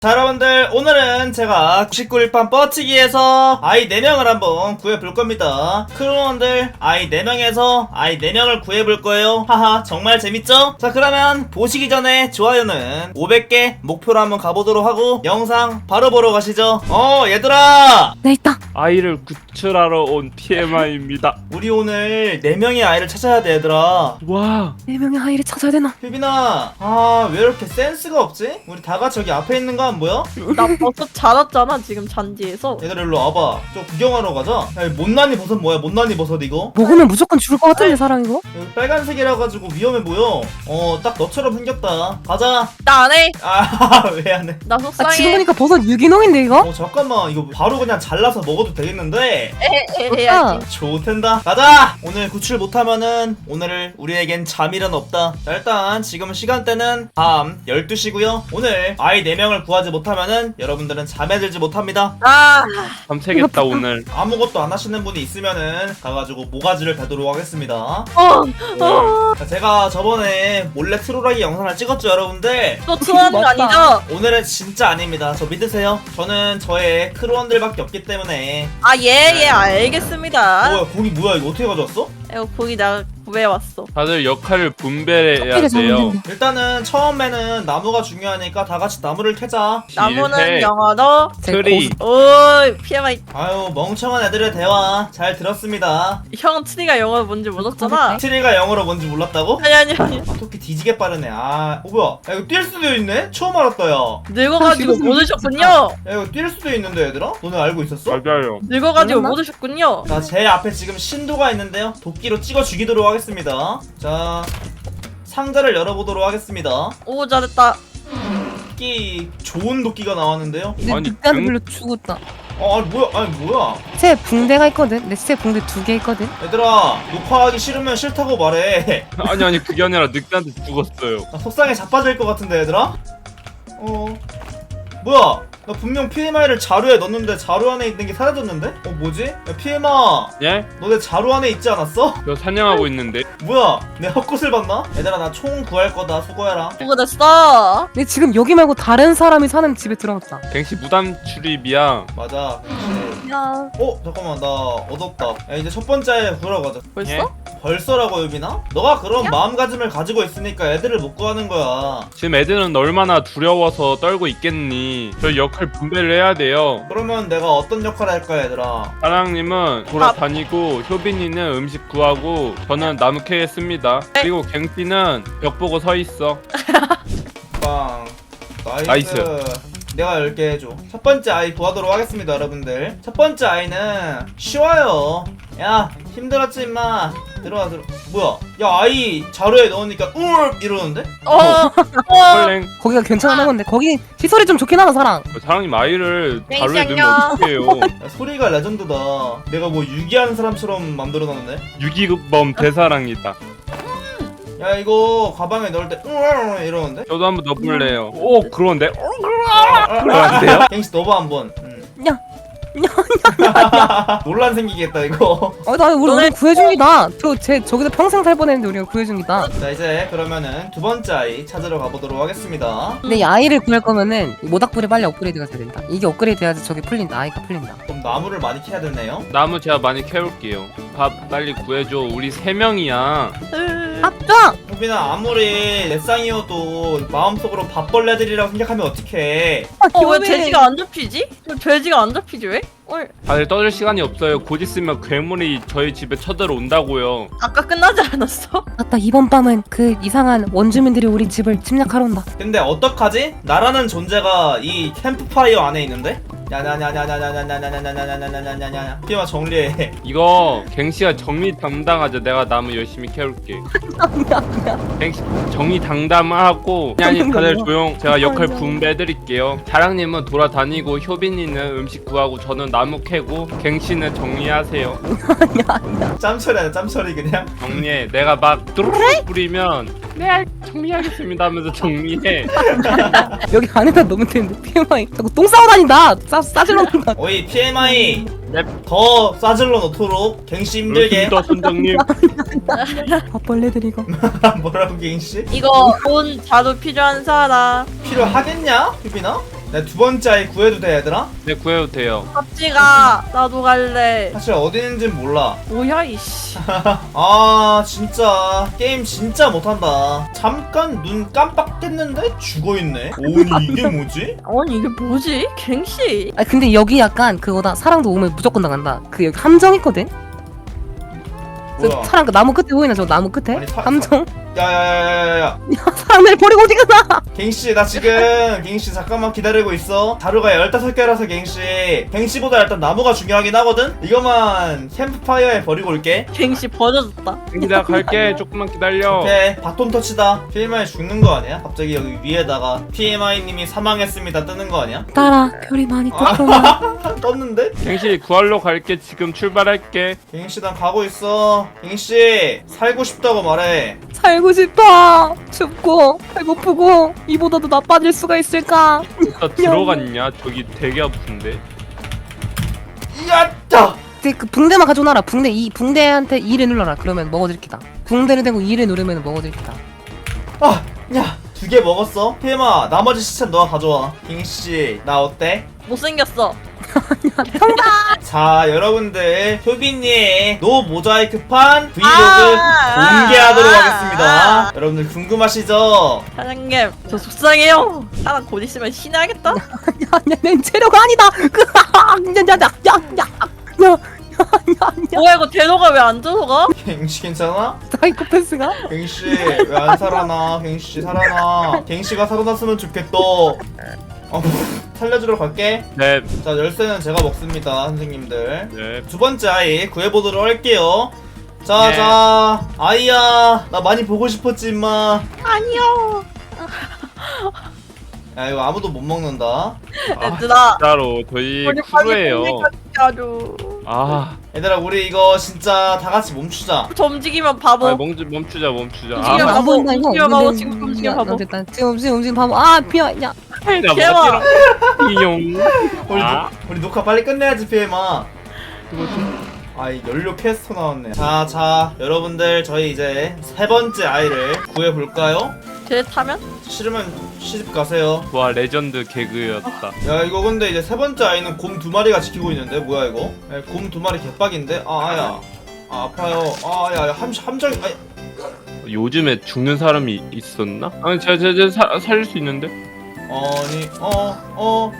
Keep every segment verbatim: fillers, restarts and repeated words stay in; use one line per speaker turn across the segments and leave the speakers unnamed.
자, 여러분들 오늘은 제가 구십구 일판 뻗치기에서 아이 네 명을 한번 구해볼 겁니다. 크루원들 아이 네 명에서 아이 네 명을 구해볼 거예요. 하하, 정말 재밌죠? 자, 그러면 보시기 전에 좋아요는 오백 개 목표로 한번 가보도록 하고 영상 바로 보러 가시죠. 어, 얘들아,
네, 있다.
아이를 구출하러 온 티엠아이입니다.
우리 오늘 네 명의 아이를 찾아야 돼. 얘들아,
와,
네 명의 아이를 찾아야 되나?
휘빈아, 아, 왜 이렇게 센스가 없지? 우리 다 같이 여기 앞에 있는 거 안 보여?
나 버섯 자랐잖아 지금 잔디에서.
얘들아, 일로 와봐. 저 구경하러 가자. 야, 이 못난이 버섯 뭐야? 못난이 버섯 이거?
먹으면 무조건 죽을 것 같은데, 사람 이거?
여기 빨간색이라 가지고 위험해 보여. 어, 딱 너처럼 생겼다. 가자.
나 안 해.
아, 왜 안 해?
나
아, 지금
속상해.
보니까 버섯 유기농인데, 이거?
어, 잠깐만. 이거 바로 그냥 잘라서 먹어도 되겠는데?
에, 에, 해야지.
좋텐다. 가자. 오늘 구출 못하면은 오늘 우리에겐 잠이란 없다. 자, 일단 지금 시간대는 밤 열두 시고요 오늘 아이 네 명을 구하지 못하면은 여러분들은 잠에 들지 못합니다.
아,
밤새겠다 오늘.
아무것도 안 하시는 분이 있으면은 가가지고 모가지를 베도록 하겠습니다.
어,
네. 자, 제가 저번에 몰래 트롤하기 영상을 찍었죠, 여러분들?
또 트하는 거
맞다.
아니죠?
오늘은 진짜 아닙니다. 저 믿으세요. 저는 저의 크루원들밖에 없기 때문에.
아, 예, 예, 알겠습니다.
뭐야, 고기 뭐야? 이거 어떻게 가져왔어?
이거 고기 내가 구해왔어.
다들 역할을 분배해야
커피를
돼요.
잡는데.
일단은 처음에는 나무가 중요하니까 다 같이 나무를 캐자.
나무는
실패.
영어로.
트리.
오, 피엠아이.
아유, 멍청한 애들의 대화 잘 들었습니다.
형 트리가 영어 뭔지 몰랐잖아.
트리가 영어로 뭔지 몰랐다고?
아니, 아니, 아니.
아, 토끼 뒤지게 빠르네. 아, 어, 뭐야? 야, 이거 뛸 수도 있네? 처음 알았다, 야.
늙어가지고
지금
못 오셨군요.
야, 이거 뛸 수도 있는데, 얘들아? 너네 알고 있었어?
맞아요.
늙어가지고
몰랐나?
못 오셨군요.
자, 제 앞에 지금 신도가 있는데요. 도끼로 찍어 죽이도록 하겠습니다. 자, 상자를 열어보도록 하겠습니다.
오, 잘했다.
도끼, 좋은 도끼가 나왔는데요.
내
아니,
늑대한테
응?
불려 죽었다.
어, 아니, 뭐야, 아니, 뭐야.
새 붕대가 있거든? 내 새 붕대 두 개 있거든?
얘들아, 녹화하기 싫으면 싫다고 말해.
아니 아니 그게 아니라 늑대한테 죽었어요.
나 속상해 자빠질 것 같은데, 얘들아? 어, 뭐야. 나 분명 피엠아이를 자루에 넣었는데 자루 안에 있는 게 사라졌는데? 어, 뭐지? 야, 피엠아,
예?
너 내 자루 안에 있지 않았어?
저 사냥하고 있는데.
뭐야, 내 헛것을 봤나? 얘들아, 나 총 구할 거다. 수고해라.
수고됐어.
근데 지금 여기 말고 다른 사람이 사는 집에 들어갔다.
갱씨 무단 출입이야.
맞아.
야.
어, 잠깐만, 나 얻었다. 야, 이제 첫 번째 구하러 가자.
벌써?
예?
벌써라고, 유빈아? 너가 그런 마음가짐을 가지고 있으니까 애들을 못 구하는 거야.
지금 애들은 얼마나 두려워서 떨고 있겠니. 저 역할 분배를 해야 돼요.
그러면 내가 어떤 역할을 할까, 얘들아?
사랑님은 돌아다니고 효빈이는 음식 구하고 저는 나무 캐겠습니다. 그리고 갱씨는 벽 보고 서 있어.
빵. 나이스.
나이스.
내가 열 개 해줘. 첫 번째 아이 구하도록 하겠습니다, 여러분들. 첫 번째 아이는 쉬워요. 야, 힘들었지, 임마. 들어와, 들어. 뭐야? 야, 아이 자루에 넣으니까 울 이러는데?
어, 어.
헐랭.
거기가 괜찮은 건데, 거기 시설이 좀 좋긴 하다, 사랑.
사랑님 아이를
네,
자루에 넣으면
안녕.
어떡해요.
야, 소리가 레전드다. 내가 뭐 유기하는 사람처럼 만들어놨네.
유기범 대사랑이다.
야, 이거 가방에 넣을 때 울 이러는데?
저도 한번 넣어볼래요. 오 그런데? 안 돼요?
갱씨 넣어봐 한번. 응.
야.
논란 생기겠다 이거.
어, 나 우리,
너네-
우리 구해준 기다. 저, 쟤, 저기서 평생 살 뻔했는데 우리가 구해준 기다.
자, 이제 그러면은 두 번째 아이 찾으러 가보도록 하겠습니다.
근데 이 아이를 구할 거면은 모닥불이 빨리 업그레이드가 돼야 된다. 이게 업그레이드 해야지 저게 풀린다. 아이가 풀린다.
그럼 나무를 많이 캐야 되네요.
나무 제가 많이 캐올게요. 밥 빨리 구해줘. 우리 세 명이야.
아빠!
호빈아, 아무리 넷상이어도 마음속으로 밥벌레들이라고 생각하면 어떡해.
어, 왜 돼지가 안 잡히지? 왜 돼지가 안 잡히지 왜? 어,
다들 떠들 시간이 없어요. 곧 있으면 괴물이 저희 집에 쳐들어온다고요.
아까 끝나지 않았어?
맞다, 이번 밤은 그 이상한 원주민들이 우리 집을 침략하러 온다.
근데 어떡하지? 나라는 존재가 이 캠프파이어 안에 있는데? 야냐냐냐냐냐냐냐냐냐냐냐냐냐냐냐냐 피마 정리해.
이거 갱씨가 정리 담당하자. 내가 나무 열심히 캐올게. 갱씨 정리 당담하고 아니 아니 다들 조용. 제가 역할 분배해드릴게요. 자랑님은 돌아다니고 효빈이는 음식 구하고 저는 나무 캐고 갱씨는 정리하세요.
짬처리하자, 짬처리 그냥.
정리해. 내가 막 뚜루룩 뿌리면 네 정리하겠습니다 하면서 정리해.
여기 안에다 넣으면 되는데, 피엠아이. 자꾸 똥 싸고 다닌다! 싸, 싸질러 놓는다.
어이, 피엠아이.
넵.
더 싸질러 놓도록 갱씨 힘들게.
그렇습니다 선장님.
밥벌레들 이거.
뭐라고 갱씨?
이거 돈 자루 필요한 사람.
필요하겠냐? 유빈아? 내 두 번째 아이 구해도 돼 얘들아?
네 구해도 돼요.
갑지가 나도 갈래.
사실 어디 있는진 몰라.
뭐야 이씨.
아 진짜 게임 진짜 못한다. 잠깐 눈 깜빡했는데 죽어있네. 오니 이게 뭐지?
아니 이게 뭐지? 갱씨.
아 근데 여기 약간 그거다. 사랑도 오면 무조건 나간다. 그 여기 함정 있거든. 그
뭐야?
사랑 그 나무 끝에 보이나 저 나무 끝에?
아니, 사-
함정.
야야야야야야
사람들 버리고 어디 가나?
갱씨 나 지금 갱씨 잠깐만 기다리고 있어. 자루가 열다섯 개라서 갱씨 갱씨보다 일단 나무가 중요하긴 하거든? 이거만 캠프파이어에 버리고 올게.
갱씨 버려졌다.
내가 갈게. 조금만 기다려.
오케이 바톤 터치다. 피엠아이 죽는 거 아니야? 갑자기 여기 위에다가 피엠아이님이 사망했습니다 뜨는 거 아니야?
따라 별이 많이 떴구나.
떴는데?
갱씨 구하러 갈게. 지금 출발할게.
갱씨 난 가고 있어. 갱씨 살고 싶다고 말해.
살고 싶어. 춥고 배고프고 이보다도 나빠질 수가 있을까?
나 들어갔냐? 저기 되게 아픈데.
야따!
근데 그 붕대만 가져놔라. 붕대 이 붕대한테 이를 눌러라. 그러면 먹어줄 기다. 붕대를 대고 이를 누르면 먹어줄 기다.
아! 야! 두 개 먹었어? 피엠아 나머지 시체는 너가 가져와. 갱씨 나 어때?
못생겼어.
자 여러분들 효빈이의 노 모자이크판 브이로그
아,
공개하도록
아,
하겠습니다.
아.
여러분들 궁금하시죠?
사장님 저 속상해요. 사람 곧 있으면 신나겠다.
야내 재료가 아니다. 야야야야야야야야.
뭐야 이거 대로가 왜 안 들어가?
갱씨 괜찮아?
사이코패스가?
갱씨 왜 안 살아나? 갱씨 살아나. 갱씨가 살아났으면 좋겠다. 어, 살려주러 갈게.
네.
자 열쇠는 제가 먹습니다 선생님들.
네.
두 번째 아이 구해보도록 할게요. 자,
네.
자, 아이야, 나 많이 보고 싶었지, 임마.
아니요.
야, 이거 아무도 못 먹는다.
얘들아.
진짜로 저희
우리 빨리
크루예요.
공개까지 하죠.
아,
얘들아, 우리 이거 진짜 다 같이 멈추자.
저 움직이면 바보.
아 멈추 멈추자 멈추자.
움직여.
아,
바보,
보인다, 이거.
움직여, 바보,
근데-
지금 움직여,
야,
바보.
됐다. 지금 지금 움직임 바보. 아 피어. 야.
야,
개와.
뭐 이용.
우리,
아,
우리 녹화 빨리 끝내야지, 피엠아. 아, 이 연료 캐스터 나왔네. 자, 자, 여러분들, 저희 이제 세 번째 아이를 구해볼까요?
쟤 타면?
싫으면 시집 가세요.
와 레전드 개그였다.
야, 이거 근데 이제 세 번째 아이는 곰 두 마리가 지키고 있는데, 뭐야, 이거? 곰 두 마리 개빡인데? 아, 아야. 아, 아파요. 아, 야, 야, 함, 함정, 아이.
요즘에 죽는 사람이 있었나? 아니 제가 제가 사- 살릴 수 있는데.
아니, 어, 어,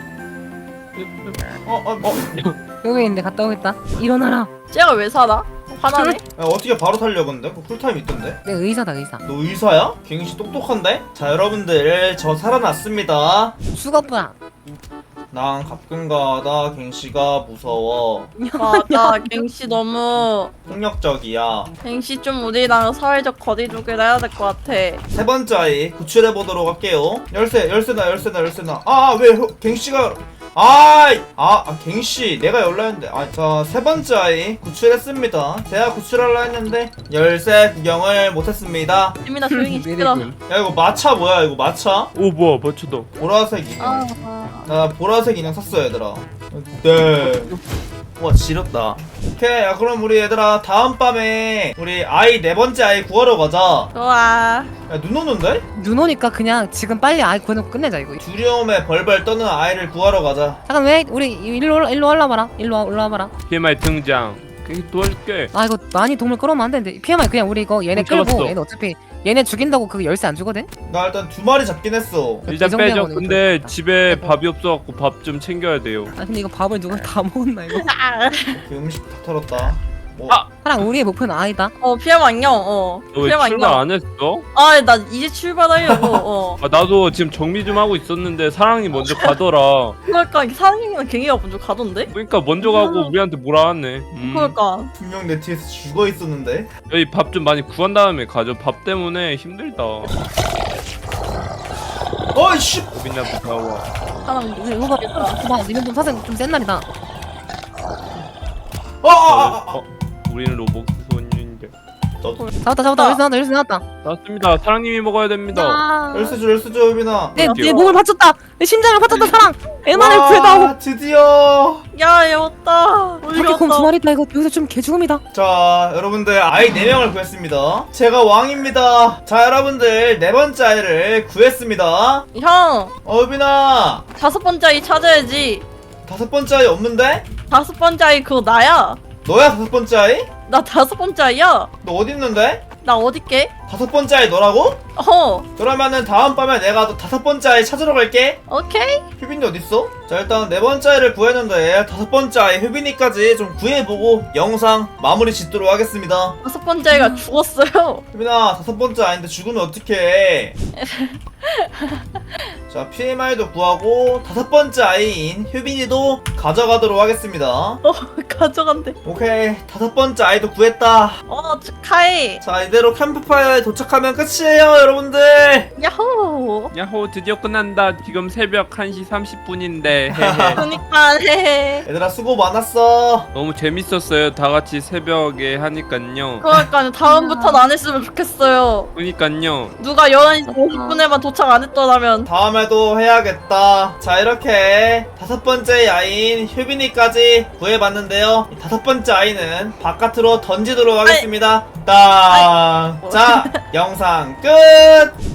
어, 어, 어.
여기 있는데 갔다 오겠다. 일어나라.
쟤가 왜 살아? 화나네?
야, 어떻게 바로 살려, 근데? 그 쿨타임 있던데?
내 의사다 의사.
너 의사야? 갱씨 똑똑한데? 자, 여러분들, 저 살아났습니다.
수거부야.
난 가끔가다 갱씨가 무서워.
맞아. 갱씨 너무
폭력적이야.
갱씨 좀 우리랑 사회적 거리두기를 해야 될 것 같아.
세 번째 아이 구출해보도록 할게요. 열쇠, 열쇠나, 열쇠나, 열쇠나. 아, 왜 혀- 갱씨가. 아이! 아, 아, 갱씨, 내가 열라 했는데. 아, 자, 세 번째 아이 구출했습니다. 제가 구출하려 했는데, 열쇠 구경을 못했습니다.
유민아 조용히 시끄러.
야, 이거 마차 뭐야, 이거 마차?
오 뭐야 맞췄다.
보라색 인형.
아, 아.
나 보라색 인형 샀어, 얘들아. 네. 와, 지렸다. 오케이, 야, 그럼 우리 얘들아, 다음밤에, 우리 아이 네 번째 아이 구하러 가자.
좋아.
야, 눈 오는데?
눈 오니까 그냥 지금 빨리 아이 구해놓고 끝내자 이거.
두려움에 벌벌 떠는 아이를 구하러 가자.
잠깐 왜 우리 일로 올라- 일로 올라와봐라. 일로 와- 올라와봐라.
피엠아이 등장. 그게 도와줄게.
아 이거 많이 동물 끌어오면 안 되는데. 피엠아이 그냥 우리 이거 얘네
어,
끌고
잡았어.
얘네 어차피 얘네 죽인다고 그 열쇠 안 주거든.
나 일단 두 마리 잡긴 했어.
일단
그
빼죠.
정도면
근데
이거
집에
빼고.
밥이 없어갖고 밥 좀 챙겨야 돼요.
아 근데 이거 밥을 누가 다 먹었나 이거.
아.
그 음식 다 털었다. 뭐,
아!
사랑 우리의 목표는 아이다.
어 피엠 안녕. 어.
너 왜
피엠
출발
안녕.
안 했어?
아, 나 이제 출발하려고. 어.
아 나도 지금 정리 좀 하고 있었는데 사랑이 먼저 가더라.
그러니까 사장님이랑 갱이가 먼저 가던데?
그러니까 먼저 가고 우리한테 뭐라 하네. 음.
그러니까.
분명 내 뒤에서 죽어 있었는데.
여기 밥 좀 많이 구한 다음에 가죠. 밥 때문에 힘들다.
어이씨!
고민나 무서워.
사람
이거 이거 봐. 봐. 니네 좀 사생 좀센 날이다.
어, 어, 어, 어.
어? 우리는 로봇 소년인데.
잡았다 잡았다. 열쇠 나왔다 열쇠 나왔다.
나왔습니다. 사랑님이 먹어야 됩니다.
아.
열쇠 줘, 열쇠 줘, 효빈아.
내, 내
할게요.
몸을 바쳤다. 내 심장을 바쳤다 사랑. 애만을
와.
구해 대박.
드디어.
야, 얘 왔다. 우리
바퀴 곰
왔다.
두 마리다. 이거 여기서 좀 개죽음이다.
자, 여러분들 아이 네 명을 구했습니다. 제가 왕입니다. 자, 여러분들 네 번째 아이를 구했습니다.
형,
어, 유빈아.
다섯 번째 아이 찾아야지.
다섯 번째 아이 없는데?
다섯 번째 아이 그거 나야.
너야 다섯 번째 아이?
나 다섯 번째 아이야.
너 어디 있는데?
나 어딨게?
다섯 번째 아이 너라고?
어,
그러면은 다음 밤에 내가 너 다섯 번째 아이 찾으러 갈게.
오케이.
휴빈이 어딨어? 자, 일단 네 번째 아이를 구했는데 다섯 번째 아이 휴빈이까지 좀 구해보고 영상 마무리 짓도록 하겠습니다.
다섯 번째 아이가 죽었어요.
휴빈아, 다섯 번째 아이인데 죽으면 어떡해. 자, 피엠아이도 구하고 다섯 번째 아이인 휴빈이도 가져가도록 하겠습니다.
어, 가져간대.
오케이, 다섯 번째 아이도 구했다.
어, 축하해.
자, 이대로 캠프파이어에 도착하면 끝이에요, 여러분들.
야호.
야호 드디어 끝난다. 지금 새벽 한 시 삼십 분인데 헤헤.
그니까, 헤헤.
얘들아, 수고 많았어.
너무 재밌었어요. 다 같이 새벽에 하니깐요.
그러니까 다음부터는 안 했으면 좋겠어요.
그니깐요.
누가 열한 시 오십 분에만 도착 안 했더라면.
다음에도 해야겠다. 자, 이렇게 다섯 번째 아이인 휴빈이까지 구해봤는데요. 이 다섯 번째 아이는 바깥으로 던지도록 하겠습니다. 땅. 자, 영상 끝.